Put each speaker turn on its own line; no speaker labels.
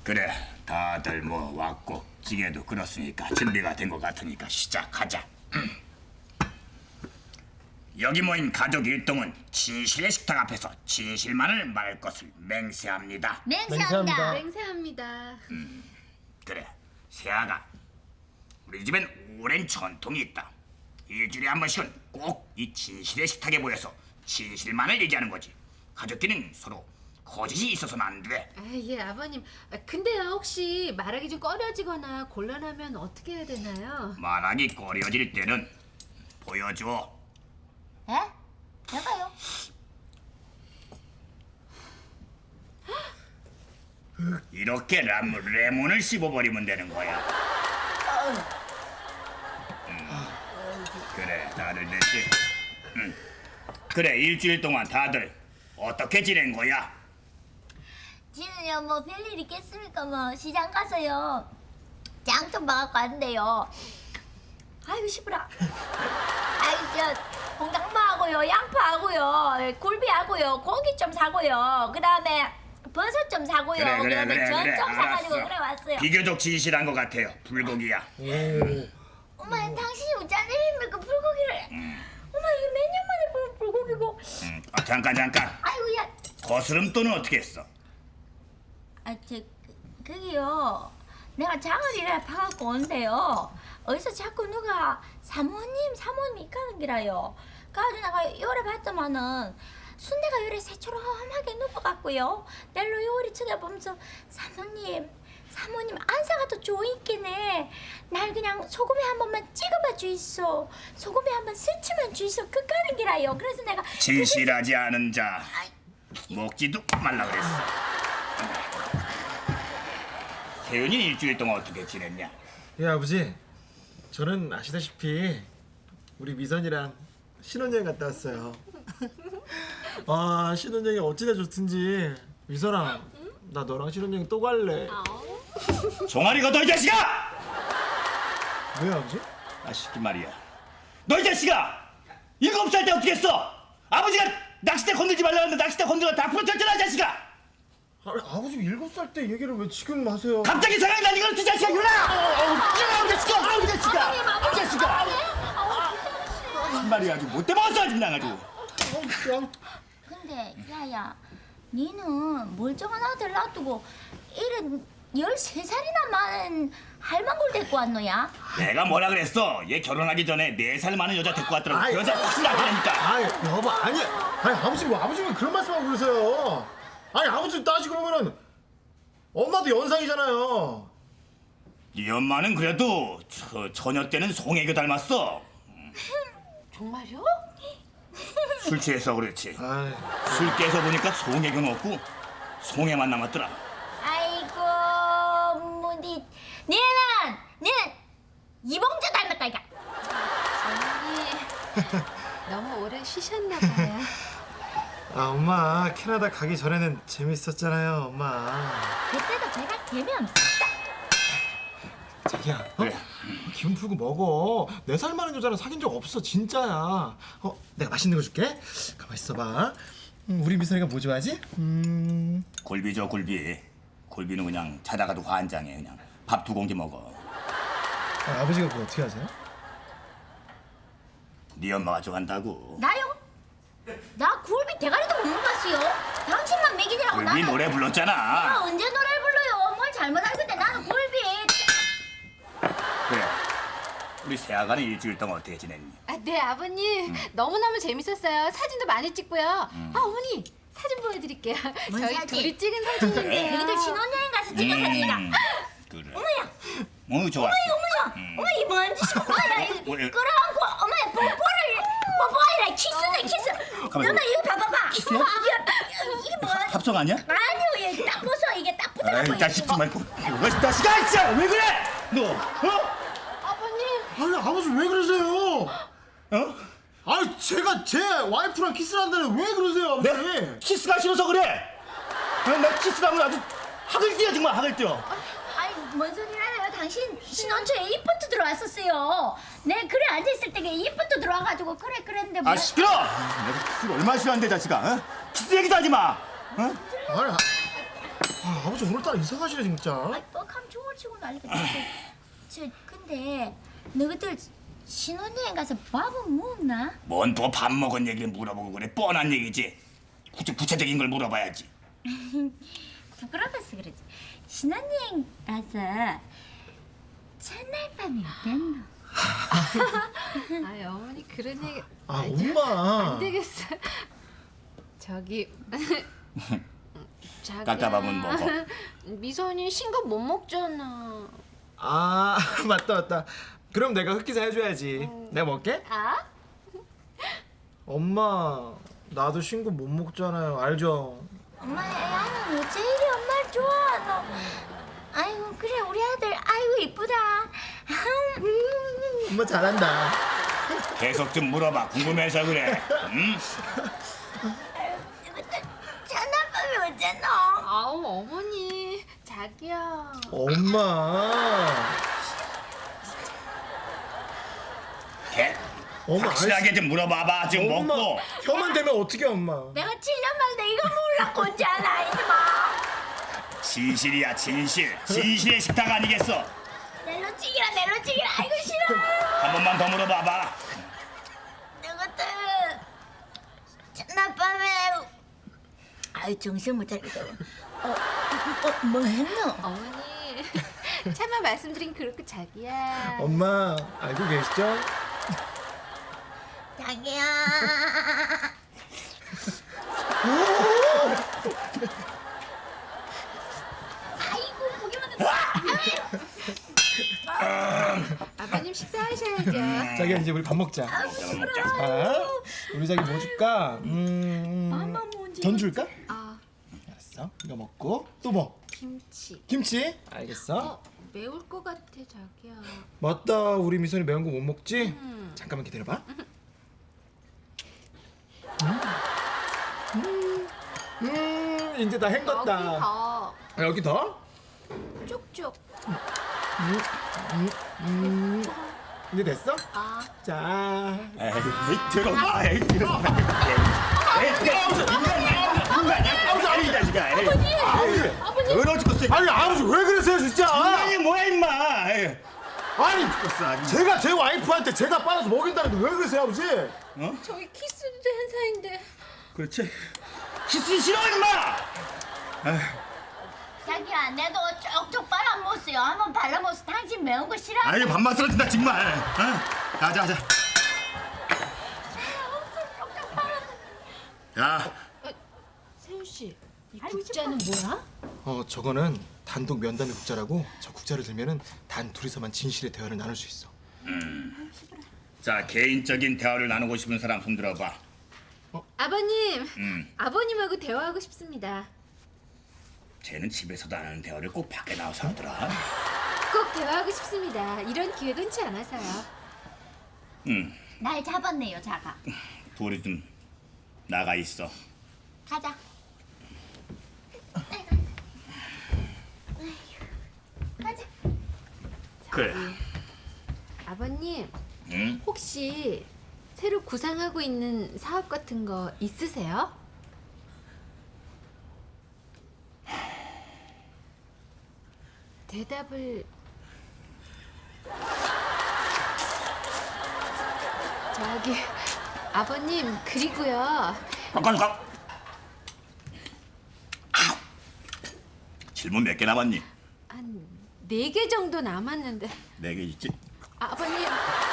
그래, 다들 뭐 왔고 찌개도 끓었으니까 준비가 된 것 같으니까 시작하자. 여기 모인 가족 일동은 진실의 식탁 앞에서 진실만을 말할 것을 맹세합니다.
맹세합니다.
맹세합니다.
그래, 세아가 우리 집엔 오랜 전통이 있다. 일주일에 한 번씩은 꼭 이 진실의 식탁에 모여서 진실만을 얘기하는 거지. 가족끼리는 서로 거짓이 있어서는 안 돼.
아, 예, 아버님. 근데요, 혹시 말하기 좀 꺼려지거나 곤란하면 어떻게 해야 되나요?
말하기 꺼려질 때는 보여줘.
에? 내가요?
이렇게 레몬을 씹어버리면 되는 거야. 그래, 다들 됐지? 그래, 일주일 동안 다들 어떻게 지낸 거야?
지는요 뭐 별일 있겠습니까? 뭐 시장 가서요 장 좀 봐갖고 왔는데요. 아이고 시부라. 아이고 저 홍당무하고요 양파하고요 굴비하고요 고기 좀 사고요 그 다음에 버섯 좀 사고요 그 다음에 전 좀 사가지고
알았어.
그래 왔어요.
비교적 진실한 것 같아요. 불고기야.
엄마 당신이 어쩐 일입니까 불고기를. 엄마 이게 몇 년 만에 보는 불고기고.
잠깐.
아이고 야.
거스름돈은 어떻게 했어?
그게요. 내가 장을 이래 파갖고 온대요. 어디서 자꾸 누가 사모님 이까는 기라요. 그래가지고 내가 요래 봤더만은 순대가 요래 새초롬하게 누워갖고요. 낼로 요리 쳐다보면서 사모님 안사가 더 좋으있겠네. 날 그냥 소금에 한 번만 찍어봐 주이소. 소금에 한 번 스치면 주이소. 그까는 기라요. 그래서 내가
진실하지 않은 자 먹지도 말라 그랬어. 세윤이 일주일 동안 어떻게 지냈냐?
예 아버지, 저는 아시다시피 우리 미선이랑 신혼여행 갔다 왔어요. 아 신혼여행이 어찌나 좋든지. 미선아, 나 너랑 신혼여행 또 갈래.
종아리가 너 이 자식아!
왜 아버지?
아 시키 말이야. 너 이 자식아! 7살 때 어떻게 했어? 아버지가 낚싯대 건들지 말라는데 낚싯대 건드려 다 부러졌잖아 이 자식아!
아버지 7살 때 얘기를 왜 지금 하세요?
갑자기 생각이 나니 그렇지 자식아 유나! 이 자식아! 이 자식아! 이 자식아! 한 말이 아주 못돼 먹었어 아주 나가지고.
근데 야야 니는 멀쩡한 아들 놔두고 이런 13살이나 많은 할망구를 데리고 왔노야?
내가 뭐라 그랬어? 얘 결혼하기 전에 4살 많은 여자 데리고 왔더라고.
아이,
그 여자 확실히 나타나니까.
아이 여보 아니 아버지가 그런 말씀하고 그러세요. 아니 아버지 따지고 보면은 엄마도 연상이잖아요.
네 엄마는 그래도 처녀 때는 송혜교 닮았어.
정말요?
술 취해서 그렇지.
아이,
술 깨서 보니까 송혜교는 없고 송혜만 남았더라.
아이고 뭐니 니는 이봉주 닮았다 이가.
어머니, 너무 오래 쉬셨나 봐요.
아 엄마 캐나다 가기 전에는 재밌었잖아요 엄마.
그때도 제가 재미없었다.
자기야,
그래.
기분 풀고 먹어. 4살 많은 여자랑 사귄 적 없어 진짜야. 내가 맛있는 거 줄게. 가만 있어봐. 우리 미선이가 뭐 좋아하지?
굴비죠 굴비. 굴비는 그냥 자다가도 환장해. 그냥 밥 2공기 먹어.
아버지가 그거 어떻게 하세요?
네 엄마가 좋아한다고.
나요? 나 굴비 대가리도 못 먹었어요. 당신만 먹이느라고
굴비
나는.
노래
내가
불렀잖아.
언제 노래를 불러요? 뭘 잘못 알고 있대. 나는 굴비.
그래. 우리 세아가는 일주일 동안 어떻게 지냈니?
아, 네, 아버님. 너무너무 재밌었어요. 사진도 많이 찍고요. 아, 어머니, 사진 보여드릴게요.
뭔
저희
사진?
둘이 찍은 사진인데요.
너희들 신혼여행 가서 찍은 사진이다.
그래.
어머야.
좋았어.
어머 이 뭔지 어머야 이거
왜?
끌어안고 어머야 뽀뽀하라 키스네.
가만히
엄마 이거 봐봐봐.
키스야?
이게 뭐야?
합성 아니야?
아니요 얘 딱 벗어 이게 딱 붙어갖고.
아이 자식 좀 말고. 이거 자식아 진짜 왜 그래? 너
아버님.
아니 아버지 왜 그러세요?
어?
아니 제가 제 와이프랑 키스를 한다는데 왜 그러세요 아버지?
내가 키스가 싫어서 그래. 나 키스하면 아주 학을 뛰어 정말 학을 뛰어.
아니 뭔 소리라요? 당신 신혼초에 이쁘트 들어왔었어요. 내 그래 앉아있을 때 이쁘트 들어와가지고 그래 그랬는데 뭐.
아 시끄러. 내가 키스를 얼마나 싫어하는데 자식아. 어? 키스 얘기도 하지 마. 어?
아니 아, 아버지 오늘따라 이상하시네 진짜.
뻑하면 죽을 치고 난리가 저 근데 너희들 신혼여행 가서 밥은 먹나?
뭔 또 밥 먹은 얘기를 물어보고 그래? 뻔한 얘기지. 구체적인 걸 물어봐야지.
부끄러워서 그러지. 신혼여행 가서 첫날 밤이 어땠노?
아이 어머니 그런 얘기
아 엄마.
안 되겠어. 저기 자기야.
깎아밥은 먹어.
미선이 싱겁 못 먹잖아.
아 맞다. 그럼 내가 흑기사 해줘야지. 내가 먹게?
아?
엄마 나도 신고 못 먹잖아요. 알죠?
엄마 야는 어째 이리 엄마를 좋아하노? 아이고 그래 우리 아들 아이고 이쁘다.
엄마 잘한다.
계속 좀 물어봐. 궁금해서 그래. 응?
첫날 밤이 어땠노?
아우 어머니 자기야.
엄마. 엄마,
확실하게 좀 물어봐봐. 지금
엄마
먹고.
혀만 대면 어떻게 엄마?
내가 7년 만에 이거 몰랐고 언제 알아 이놈아.
진실이야 진실. 진실의 식탁 아니겠어?
nel로찌기라 아이고 싫어.
한 번만 더 물어봐봐.
너것들 첫날 밤에 아이 정신 못 차리겠어. 뭐 했노?
어머니 차마 말씀드린 그렇고 자기야.
엄마 알고 계시죠?
자기야. 아이고 보기만 해도
아버님 식사하셔야죠.
자기야 이제 우리 밥 먹자.
먹자.
자, 우리 자기 뭐 줄까? 전 줄까?
아
알았어. 이거 먹고 또 뭐?
김치.
김치? 알겠어.
매울 것 같아 자기야.
맞다. 우리 미선이 매운 거 못 먹지? 잠깐만 기다려봐. 이제 다 헹궜다.
여기 더
여기 더?
쭉쭉.
이제 됐어?
아
자.
에이 들어봐. 에이 들어봐. 에이 인간이야. 아니 이 자식아.
아버지.
더러 죽겠어.
아니 아버지 왜 그러세요 진짜?
아니 뭐야 임마. 에이.
아니
죽겠어 아주.
제가 제 와이프한테 제가 빨아서 먹인다는데 왜 그러세요 아버지?
저희 키스도 한 사이인데.
그렇지. 키스 싫어 임마.
자기야 내도 쪽쪽 빨아먹었어요. 한번 발라먹었어. 당신 매운 거 싫어?
아유 밥맛 떨어진다 정말. 어? 가자. 야.
세훈 씨, 이 국자는 뭐야?
저거는 단독 면담의 국자라고 저 국자를 들면은 단 둘이서만 진실의 대화를 나눌 수 있어.
자 개인적인 대화를 나누고 싶은 사람 손 들어봐.
아버님, 아버님하고 대화하고 싶습니다.
쟤는 집에서도 안 하는 대화를 꼭 밖에 나와서 하더라.
꼭 대화하고 싶습니다. 이런 기회가 흔치 않아서요.
날 잡았네요 자가.
둘이 좀 나가 있어.
가자. 가자.
그래.
아버님,
응?
혹시 새로 구상하고 있는 사업 같은 거 있으세요? 대답을 저기 아버님 그리고요.
가. 질문 몇 개 남았니?
한 4개 정도 남았는데
4개 있지.
아버님